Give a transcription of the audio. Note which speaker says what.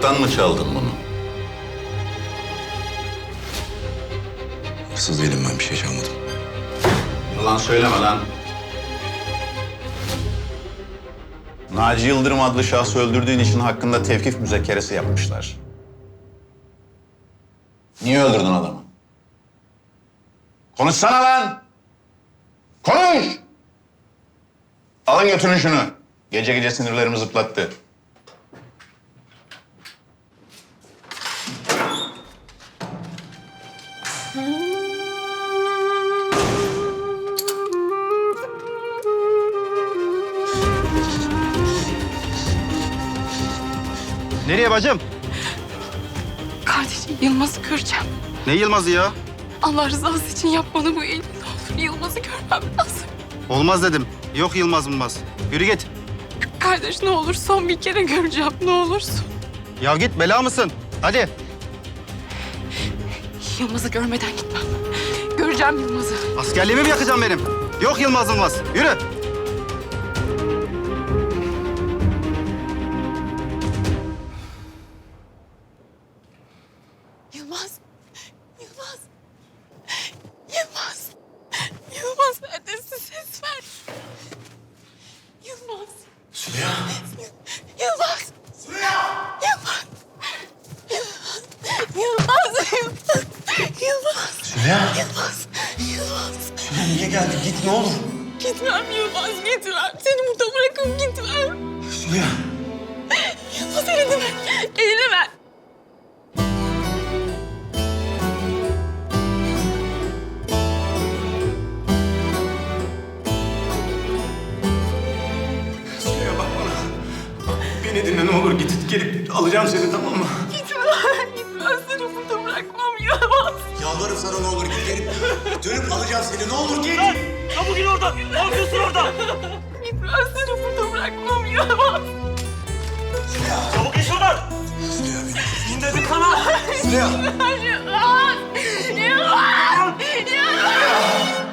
Speaker 1: Murat'tan mı çaldın bunu?
Speaker 2: Hırsız değilim ben, bir şey çalmadım.
Speaker 1: Yalan söyleme lan. Naci Yıldırım adlı şahsı öldürdüğün için hakkında tevkif müzekeresi yapmışlar. Niye öldürdün adamı? Konuşsana lan! Konuş! Alın götürün şunu. Gece gece sinirlerimi zıplattı.
Speaker 3: Nereye bacım?
Speaker 4: Kardeşim Yılmaz'ı göreceğim.
Speaker 3: Ne Yılmaz'ı ya?
Speaker 4: Allah rızası için yapmanı bu elini ne olur. Yılmaz'ı görmem lazım.
Speaker 3: Olmaz dedim. Yok Yılmaz Yılmaz. Yürü git.
Speaker 4: Kardeş ne olur son bir kere göreceğim ne olursun.
Speaker 3: Ya git, bela mısın? Hadi.
Speaker 4: Yılmaz'ı görmeden gitmem. Göreceğim Yılmaz'ı.
Speaker 3: Askerliğimi mi yakacağım benim? Yok Yılmaz Yılmaz. Yürü.
Speaker 4: Yılmaz. Yılmaz. Yılmaz. Yılmaz neredesin ses ver. Yılmaz.
Speaker 2: Süleyha!
Speaker 4: Yılmaz. Yılmaz. Yılmaz. Yılmaz. Yılmaz.
Speaker 2: Süleyha!
Speaker 4: Yılmaz. Yılmaz.
Speaker 2: Süleyha niye geldin? Git ne olur.
Speaker 4: Gitmem Yılmaz gitmem. Seni burada bırakıp gitmem.
Speaker 2: Süleyha!
Speaker 4: Yılmaz elini ver. Elini ver.
Speaker 2: Süleyha bak bana. Beni dinle ne olur, git gelip alacağım seni, tamam mı?
Speaker 4: Gitmem. Gitmem seni burada bırakmam Yılmaz.
Speaker 2: Yalvarırım sana, ne olur git gelip dönüp alacağım seni, ne olur git.
Speaker 5: Çabuk in oradan. Ne yapıyorsun orada?
Speaker 4: Gitmem seni burada bırakmam Yılmaz.
Speaker 5: Çabuk in şuradan.
Speaker 2: Süleyha beni.
Speaker 5: İn dedim sana.
Speaker 2: Süleyha!
Speaker 4: Yılmaz. Yılmaz. Yılmaz.